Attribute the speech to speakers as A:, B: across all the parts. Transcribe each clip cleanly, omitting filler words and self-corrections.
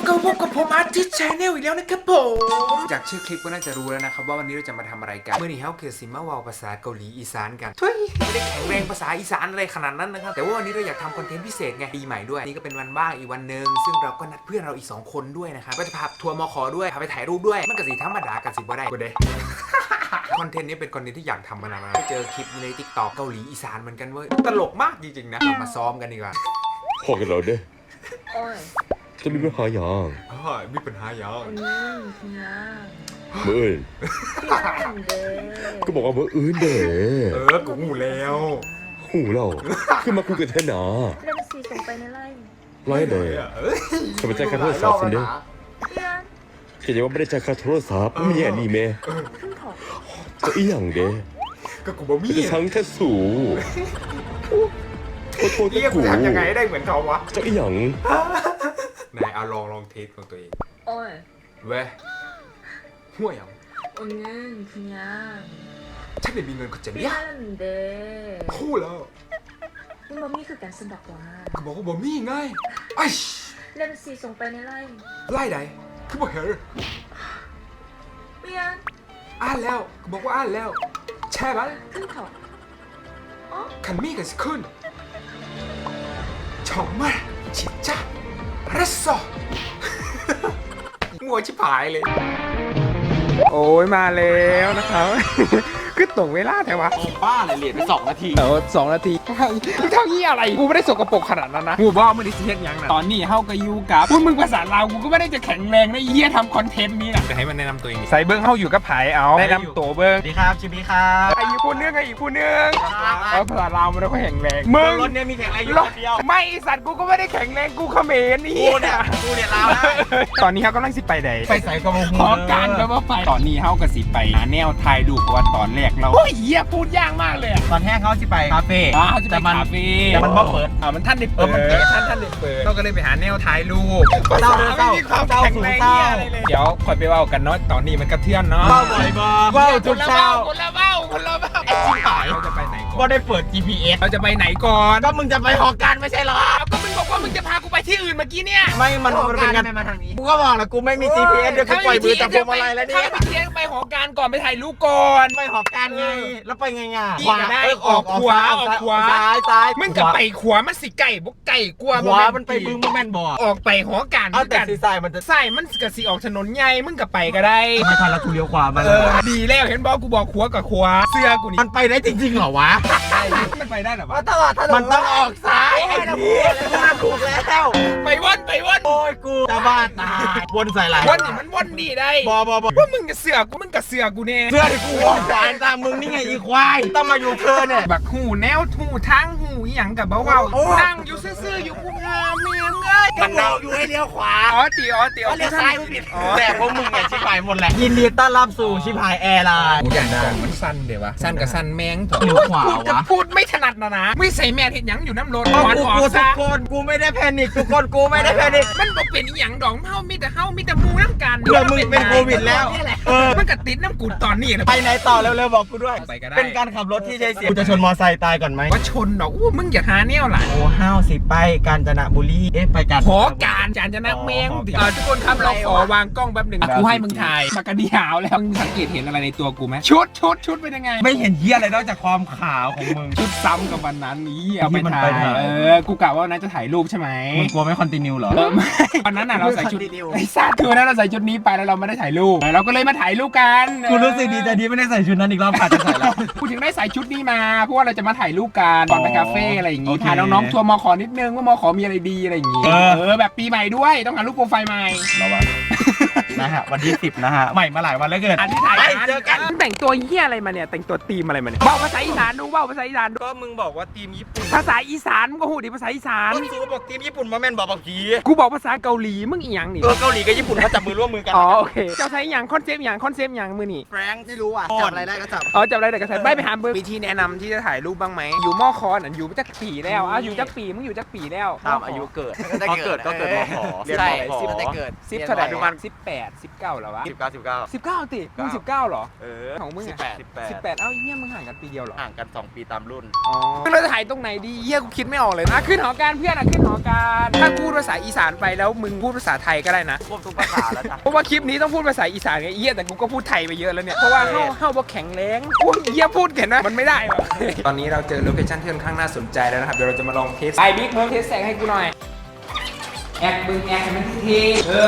A: ก็พบกับผมอาร์ติสต์ชาแนลอีกแล้วนะครับผมจากชื่อคลิปก็น่าจะรู้แล้วนะครับว่าวันนี้เราจะมาทำอะไรกันเมื่อนี้เฮาเกิดสิมาวาวภาษาเกาหลีอีสานกันทุยไม่ได้แข็งแรงภาษาอีสานอะไรขนาดนั้นนะครับแต่ว่าวันนี้เราอยากทำคอนเทนต์พิเศษไงปีใหม่ด้วยนี่ก็เป็นวันว่างอีกวันนึงซึ่งเราก็นัดเพื่อนเราอีก2คนด้วยนะครับก็จะพาทัวร์มขด้วยพาไปถ่ายรูปด้วยมันก็สิธรรมดากันสิบ่ได้กูเด้คอนเทนต์นี้เป็นคอนเทนต์ที่อยากทำมานานแล้วเจอคลิปใน TikTok เกาหลีอีสานเหมือนกันเว้ยตลกมากจริงๆนะเรามาซ้อมกันดีกว่า
B: พอกันแล้วเด้จะมีปัญหาอย่าง
A: มีปัญหาอย่าง
B: เมื่ออื่นก็บอกว่าเมื่ออื่นเด้
A: กูหูแล้ว
B: หูเราขึ้นมาคุยกันแท่หนา
C: เริ่มสีส่งไปในไลน์
B: ไล่เด้จะไปจ่ายค่าโทรศัพท์สิเด้
C: เพื่อน
B: แกจะว่าไม่ได้จ่ายค่าโทรศัพท์ไม่แย่นี่แม่
C: ขึ้นของ
B: จะอีหยังเด้
A: ก็กูบ่มี
B: จะทั้งแค่สูโทษ
A: เรียก
B: กู
A: กูทำยังไงได้เหมือนเขาวะ
B: จะอีหยัง
A: นายเอาลองเทสของตัวเอง
C: โอ้ย
A: เว้ยห่วยอ่ะ
C: 오늘 그냥
A: ฉันไม่มีเงินก็จะเลี้ย
C: 미안한데
A: คู่แล้ว
C: 몸이 그간 쓴다고
A: ก็บอกว่าบ่มีไงไอ้
C: 램씨ส่งไปในไลน์
A: ไล่ใดคือบ่เห็น
C: 미안
A: อ่านแล้วก็บอกว่าอ่านแล้วแช่ไหม
C: 큰턱
A: คันมีกันสิขึ้น정말 진짜 알았어 งัวชิบหายเลย โอ้ยมาแล้วนะครับ คือตรงเวลาแต่ว่า
D: บ้าเลยเหรียญไป2 นาที
A: 2 นาทีเท่านี้อะไร กูไม่ได้สกปรกขนาดนั้นนะกูบอกไม่ได้เสียยังนะ
D: ตอนนี้เฮาก็อยู่กับพูดมึงภาษาลาวกูก็ไม่ได้จะแข็งแรงนะไอ้เหี้ยทำคอนเทนต์นี้นะ
A: จะให้มันแนะนำตัวเองใส่เบิ้งเข้าอยู่กับไผ่เอาแนะนำตัวเบิ้ง
D: สวัสดีครับชิบีครับ
A: ไอ้อีกผู้นึงภาษาลาวมันก็แข็งแรงมึง
D: รถเนี่ยมีแข็งแรงอยู่คนเดียว
A: ไม่สัตว์กูก็ไม่ได้แข็งแรงกูเขมรนี่
D: กูเนี่ยลาวได้
A: ตอนนี้เขากำลังสิไปไหน
D: ไปใส่กระบอกขอการแปลว่าไปตอนนี้เฮาก็สิไปหาแนวถ่ายรูปเพราะว่าตอนแรกเรา
A: โอ้ยเหี้ยพูดยากมากเลยอะ
D: ตอนแรกเขาสิไปคาเฟ่
A: เขาจะไปคาเฟ่
D: แต่มันบ่เปิด
A: มันท่านได้เปิด
D: มันเปิด
A: ท่านได้เปิดเราก็เลยไปหาแนวถ่ายรูป
D: เศร้าเด้อเศร้า
A: ไม่มีความแข็งแรง
D: เศร้า
A: เหี้ยอะไรเลยเดี๋ยวคอยไปเว่ากันเนาะตอนนี้มันกระเทือนเนาะ
D: เบ้าบ่อยบ่เบ้าทุกเช้า
A: คนละเบ้าไอ้ชิบหายเราจะไปไหนก่
D: ก็
A: อน
D: ได้เปิด GPS
A: เราจะไปไหนก่อน
D: ก็มึงจะไปหอการไม่ใช่เหรอ
A: เอาก็มึงบอกว่ามึงจะพากูไปที่อื่นเมื่อกี้เนี่ย
D: ไม่มันเป็นงานกูก็บอกแล้วกูไม่มี GPS เดี๋ยวกูปล่อยมือจากพวงมาลัยแล้วเนี่ย
A: ถ้าไปเที่ยงไปหอการก่อนไปถ่ายรูปก่อน
D: ไปหอการไงแล้วไปไงอ่ะ
A: ขวาได้ออกขวาออกขวา
D: ซ้าย
A: มึงกับไปขวามันสิไก่บกไก่กลัว
D: ขวามันไปบึ้งแม่นบ่
A: ออกไปหอการ
D: เอาแต่ซีซ้ายมันจะ
A: ใส่มันกะสิออกถนนใหญ่มึงกับไปก็ได้
D: ไม่ทันแล้วกูเลี้ยวขวามา
A: ดีแล้วเห็นบอกกูบอกขวากับขวาเสื้อกูนี่
D: มันไปได้จริงๆเหรอวะ
A: มันไปได้เหรอวะ
D: มันต้องออกซ้ายไอ้พี่ถูกแล้ว
A: ไปว่น
D: โอ้ยกูจะบ้าตายวนใส่ไหล
A: ว่นนี่มันว่นดีได้
D: บอ
A: ว่ามึงกับเสือกูมึงกับเสือกูเนี่ย
D: เสื้อที่กูออกสายตามมึงนี่ไงอีควายต้องมาอยู่เธอเนี่ย
A: บักหูแนวหูทั้งหูอหย่างกับเบาๆนั่งอยู่ซื่อๆอยู่กูงามเมียงเอ้ย
D: มันเดาอยู่ให้เลี้ยวขวา
A: อ๋อตี
D: เลี้ยวซ้ายไม่ผิดแต่พวกมึงเนี่ยชิบหายหมดแหละยินดีต้อนรับสู่ชิบหายแอร์ไลน์
A: อย่างนั้นมันสั้นเดี๋ยววะสั้นกับสั้นแมงเถอะ
D: เลี้ยวขวาวะ
A: กูจะพูดไม่ถนัดนะไม่ใส่แม่เห็นหยังอยู่น้ำรถ
D: กู
A: วันออก
D: ทุ
A: ซะ
D: กคนกูไม่ได้แพนิคทุกคนกูไม่ได้แพนิค
A: มันบอกเป็นอหย่างดอกเฮามีแต่มูน้ำกัน
D: เพื่อมึงเป็นโควิดแล้วเออ
A: มันก็ติดน้ำกูตอนนี้นะ
D: ไปไหนต่อเร็วๆบอกกูด้วย
A: ไปก็ได้
D: เป็นการขับรถที่ใช้เสียงกูจะชนมอไซค์ตายก่อนไหม
A: ว่าชนดอกอู้มึงอย่าหาแนวหล่ะ
D: โอ้ห้าวสิไปกาญจนบุรีไปกัน
A: ขอการจานจะนักเมงทุกคนครับเราขอวางกล้องแป๊บหนึ่งกูให้มึงถ่ายปากกาดีหาวแล้วมึงสังเกตเห็นอะไรในตัวกูไหมชุดเป็นยังไง
D: ไม่เห็นเหี้ยอะไรนอกจากความขาวของมึง
A: ชุดซ้ำกับวันนั้นนี้เอาไป
D: ที่มัน
A: ถ่า
D: ไป
A: ย
D: ถ่าย
A: กูกะว่านั้นจะถ่ายรูปใช่ไหม
D: มึงกลัวไม่คอนติเนียเหรอ
A: ไม่วันนั้นน่ะเราใส่ชุด
D: Continue
A: ไอ้สัตว์คือวันนั้นเราใส่ชุดนี้ไปแล้วเราไม่ได้ถ่ายรูปเราก็เลยมาถ่ายรูปกัน
D: กูรู้สึกดีใจที่ไม่ได้ใส่ชุดนั้นอีกรอบผ่านจะใส่แล้ว
A: กูถึงได้ใส่ชุดนี้มาเพราะว่าเราจะมาถ่ายรูปกันก่อนไปคาเฟ่อะไรอย่างงี้
D: โอเค
A: พาน้องๆทัวร์มอขอนิดนึงว่ามอขอมีอะไรดีอะไรอย่างงี้แบบปีใหม่ด้วยต้องหารูปโปรไฟล์ใหม่
D: ระวังนะฮะวันที่10นะฮะใหม่มาหลายวันแล้วเกิน
A: อันที่ถ่าย
D: ไปเจอกัน
A: แต่งตัวเหี้ยอะไรมาเนี่ยแต่งตัวธีมอะไรมาเนี่ยเบ้าภาษาอีสานดูเบ้าภาษาอีสานดู
D: ก็มึงบอกว่าทีมญี่ปุ่น
A: ภาษาอีสานมึงก็หูดิภาษาอีสาน
D: ต้นสูบอกทีมญี่ปุ่นมาแม่นบอกบอกผี
A: กูบอกภาษาเกาหลีมึงอีหยังนี่
D: เกาหลีกับญี่ปุ่นเขาจับมือร่วมมือกัน
A: อ๋อโอเคเจ้าใช้อย่างคอนเซปต์อย่างมือนี่
D: แฟรงค์ไม่รู้อ่ะจับอะไรได้ก็จับ
A: อ๋อจับอะไรแต่กระใส่ไปหาเบอร์วิธีแนะนำที่จะถ่ายรูปบ้างไหมอยู่มอคอนอ่ะอยู่จักปีแล้วอยู่จักปีมึงอยู่จักปีแล้ว
D: ตามอายุเกิดพอเกิดก็เกิดมขอ
A: ใช่
D: 10
A: 10
D: ได้เกิด
A: 10เท่าไหร่
D: อนุบาล
A: 18 19เหรอวะ
B: 19
A: 19ติมึง19เหรอ
B: เออ
A: ของมึงอะ
B: 18
A: 18เอ้าเฮียมึงห่างกันปีเดียวเหรอ
B: ห่างกัน 2 ปีตามรุ่น
A: อ๋อเราจะถ่ายตรงไหนดีเฮียกูคิดไม่ออกเลยนะขึ้นหอการเพื่อนขึ้นหอการถ้าพูดภาษาอีสานไปแล้วมึงพูดภาษาไทยก็ได้นะ
B: ควบทุกภาษาแล้วจ้ะ
A: เพราะว่าคลิปนี้ต้องพูดภาษาอีสานไงเฮียแต่กูก็พูดไทยไปเยอะแล้วเนี่ยเพราะว่าเฮาบ่แข็งแรงโอ้ยเฮียพูดเห็นไหมมันไม่ได้วะตอนนี้เราเจอโลเคชั่นที่ค่อนข้างน่าสนใจแล้วนะครับเดี๋ยวเราจะมาลองเทสไอบิ๊กมึงเทสแสงให้กูหน่อยแอคมึงแอคให้มันเท่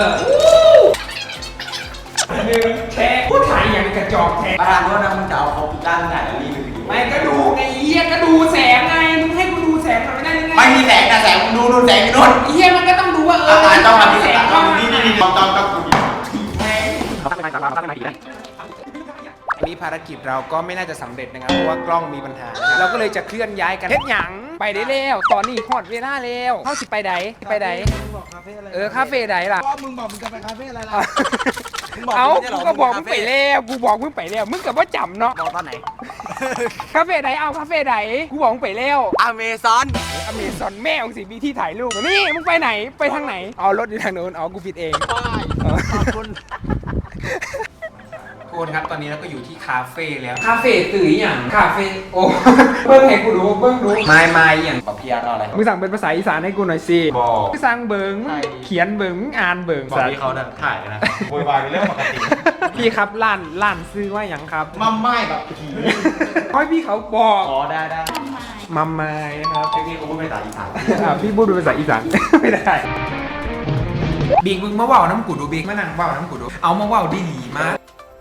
A: แค่พูดไทยอย่างกระจอกแท้
D: ประธานโทษนะมึงจะเอาเขาปิดด้านไหนแล้วรีวิว
A: ไม่ก็ดูไงเฮียก็ดูแสงไงมึงให้กูดูแสงหน่อยไม่ได้ยังไง
D: ไม่มีแสงแต่แสงมึงดูแสงนู่น
A: เฮียมันก็ต้องดูว่า
D: ต้องมา
A: แสง
D: ต้องนี่ต้อง
A: อันนี้ภารกิจเราก็ไม่น่าจะสำเร็จนะครับเพราะว่ากล้องมีปัญหานะครับเราก็เลยจะเคลื่อนย้ายกันเฮ็ดหยังไปได้แล้วตอนนี้ฮอดเวลาแล้วเฮาสิไปใดไปใด
D: บอกคาเฟ่อะไร
A: คาเฟ่ใดล่ะ
D: ก็มึงบอกมึงจะไปคาเฟ่อะไรล่ะ
A: เอ้ากูก็บอกมึงไปแล้วกูบอกมึงไปแล้วมึงก็บ่จำเนาะ
D: บอกตอนไหน
A: คาเฟ่ใดเอาคาเฟ่ใดกูบอกมึงไปแล้ว
D: อเมซอน
A: อเมซอนแม่ของสิมีที่ถ่ายรูปนี่มึงไปไหนไปทางไหนอ๋อรถอยู่ทางโน้นอ๋อกูผิดเอง
D: ขอบคุณ
A: ทุกคนครับตอนนี้เราก็อยู่ที่คาเฟ่แล้วคาเฟ่ตื่นอย่างคาเฟ่โอ้ เบิ้งให้กูดูเบิ้งดูไม่อย่าง
D: ขอพี่อาร์ตอะไร
A: มึงสั่งเป็นภาษาอีสานให้กูหน่อยสิ
B: บอก
A: มึงสั่งเบิ้งเขียนเบิ้งอ่านเบิ้ง
B: บอกที่เขาถ่ายนะโวยวายเป็นเรื่องปกติ
A: พี่ครับร้านซื้อว่าอย่างครับ
D: มัมไม่แบบผี
A: ค่อยพี่เขาบอก
B: อ๋อได้
A: มัมไม้นะครับ
B: เทคนิคกูพูดภาษาอีสาน
A: พี่พูดเป็นภาษาอีสาน ไม่ได้บิ๊กมึงมาว่าวน้ำกูดูบิ๊กมานั่งว่าวน้ำกูดูเอามาว่าวดีมาก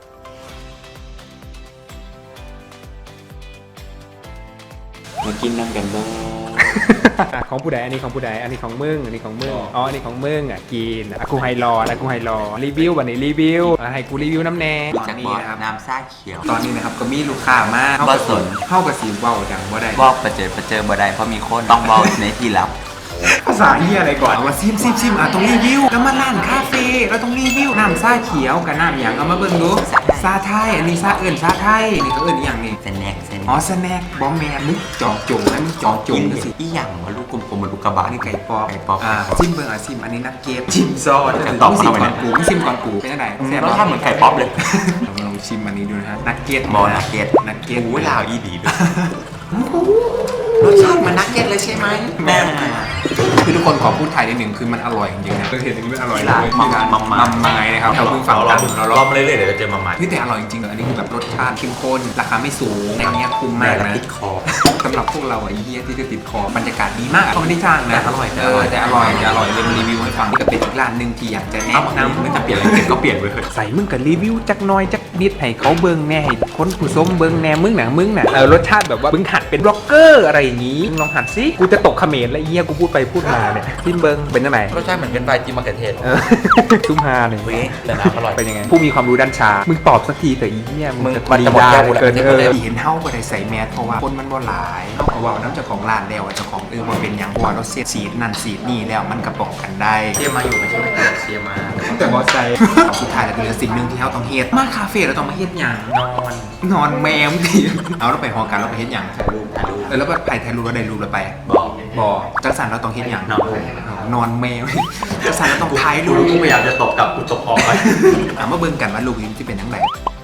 B: มากินน้ำกันบ้าง
A: ของผู้ใดอันนี้ของผู้ใดอันนี้ของมึงอันนี้ของมึงอ๋ออันนี้ของมึงอ่ะกินกูไฮรอแล้วกูไฮรอรีวิววันนี้รีวิวให้กูรีวิวน้ำแน่
E: จากบอสน้ำซ่าเขียว
A: ตอนนี้นะครับก็มีลูกค้ามาก
E: บ่สน
A: เข้ากับสีเบาจังบ่ได้
E: บอกประเจิดบ่ได้เพราะมีคนต้องเบาในที่ลับ
A: ภาษาเฮียอะไรก่อนเอามาซิมอ่ะต้องรีวิวแล้วมาร้านคาเฟ่เราต้องรีวิวน้ำซ่าเขียวกับน้ำอย่างเอามาเบิ่งดูซาไทยอันนี้ซาเอิญซาไทยนี่ก็เอิญอย่างนี้
E: เซนแนก
A: อ๋อสแน็คบอมแมนมึงจอกจุ่มนะมึงจอกจุ่มดูสิ
E: อีหยังวะลูกกลมๆเหมือนลูกกระบะ
A: อันนี้ไก่ปอบ
E: ไก่ป๊อป
A: ซิมเบิ่งซิมอันนี้นักเก็ตชิมซอส
E: จะตอบ
A: มึงซิม
E: เข้าไป
A: ก่อนกูมึงซิมก่อนกูเป็นยังไงแซ่บ
E: รสชาติเหมือนไก่ป๊อปเลย
A: ลองชิมอันนี้ดูนะฮะนักเก็ต
E: บอนักเก็ต
A: นักเก็ต
E: โอ้ยลาวอีดีด้วยรสชาติเหมันนักเก็ตเลยใช่ไหมแม่
A: คือทุกคนขอพูดไทยนิดหนึ่งคือมันอร่อยจริงๆนะเคยเห็นมันอร่อย
E: ร้าน
A: ที่ร้าน
E: มัม
A: มัมไม้นะครับแถวบึงฝั่งกันเรา
B: รอบมาเรื่อยๆเดี๋ยวจะเจอมาใหม่
A: พี่แต่อร่อยจริงๆเลยอันนี้คือแบบรสชาติเข้มข้นราคาไม่สูงแต่อันเนี้ยคุ้มมากนะ
E: ติดคอ
A: สำหรับพวกเราไอ้เหี้ยที่จะติดคอบรรยากาศดีมากเขาไม่ได้จ้างนะ
E: แต่อร่อย
A: แต่อร่อยเลยมารีวิวให้ฟังนี่ก็เป็นอีกร้านหนึ่งที่อยากจะแนะนำ
E: ไม่จะเปลี่ยนอะไรเปลี่ยนก็เปลี่ยนไปเถอะ
A: ใส่มึงกับรีวิวจักหน้อยจักนิดให้เขาเบิ่งแน่ให้คนผู้ชมเบิ่งแน่มึงน่ะรสชาติแบบว่ามึงหัดเป็นบล็อกเกอร์อะไรอย่างงี้มึงลองหัดสิกูจะตกเขมรแล้วไอ้เหี้ยกูพูดไปพูดมาเนี่ยซิมเบิ่งเป็นยังไง
E: รสชาติเหมือนเป็นไฟจีมะเขือเทศ
A: ซุ่มฮาเนี่ย
E: เว้ยแต่น้ำอร่อย
A: เป็นยังไงผู้มีความรู้ด้านชามึงตอบสักทีแต่อีเหี้ย
E: มึง
A: จะ
E: มันจะหมดแก้วหมดแล้ว
A: เกิน
E: จะหมดแล้ว
A: เห็นเฮาบ่ได้ใส่แมสเพราะว่าคนมันบ่หลายเฮาก็เว้าน้ำเจ้าของร้านแล้วว่าเจ้าของบ่เป็นหยังเพราะว่าเราเสียดสีดนั่นสีดนี่แล้วมันก็ป้องกันได้
E: เชียร์มาอยู่ไม่ใช่ไหมเชียร์มา
A: แต่บอสใจสุดท้ายแล้วเหลือสิ่งหนึ่งที่เราต้องเฮ็ดมาคาเฟ่เราต้องมาเฮ็ดหยัง นอนแมวดิเอาเราไปหอกันเราไปเฮ็ดหยัง
E: ถ่ายรูป
A: แล้วแบบถ่ายรูปเราได้รูปเราไป
E: บอก
A: จังสันเราต้องเฮ็ดหยัง
E: นอน
A: นอนแมวจังสันเราต้องถ่ายรูป
E: กูพยายามจะตบกับกูตบออกไป
A: มาเบิ่งกันว่ารูปนี้จะเป็นจังได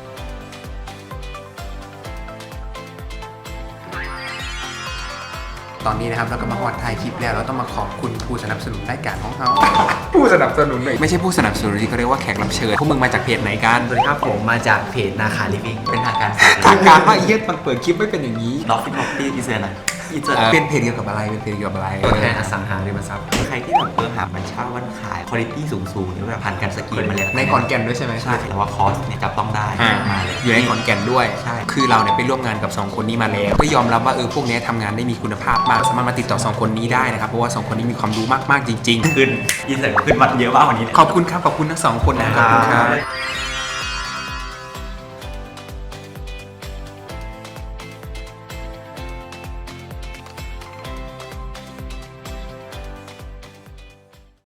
A: ตอนนี้นะครับเราก็มาฮอดถ่ายคลิปแล้วเราต้องมาขอบคุณผู้สนับสนุนรายการของเราผู้สนับสนุนเลยไม่ใช่ผู้สนับสนุนที่เขาเรียกว่าแขกรับเชิญพวกมึงมาจากเพจไหนกัน
D: สวัสดีครับผมมาจากเพจนาคาลิฟิก
E: เป็นทางการ
A: ทางการว่าไอ้เหี้ยมันเปิดคลิปไม่เป็นอย่างนี้
E: ล็อกฟิตล็อกตี้อีเซอร์นะอีเซอร์
A: เป็นเพจเกี่ยวกับอะไรเป็นเพจเกี่ยวกับอะไร
D: ตัวแทนอสังหาริมทรัพย์
E: ใครที่แบบหามันเช่าวันขายคุณภาพสูงๆหรือแบบผ่านการสกรีนมาแล้ว
A: ในขอนแก่นด้วยใช่ไหม
E: ใช่แต่ว่าคอสเนี่ยจับต้องได้มาเลย
A: อยู่ในขอนแก่นด้วย
E: ใช่
A: คือเราเนี่ยไปร่วมงานกับ 2 คนนี้มาแล้วก็ยอมรับว่าพวกนี้ทำงานได้มีคุณภาพมากสามารถมาติดต่อ 2 คนนี้ได้นะครับเพราะว่า 2 คนนี้มีความรู้มากๆจริง
E: ขึ้นอีเซอร์ขึ้นวัดเยอะมากวันนี้
A: ๆ ขอบคุณครับขอบคุณทั้ง 2 คนนะครับ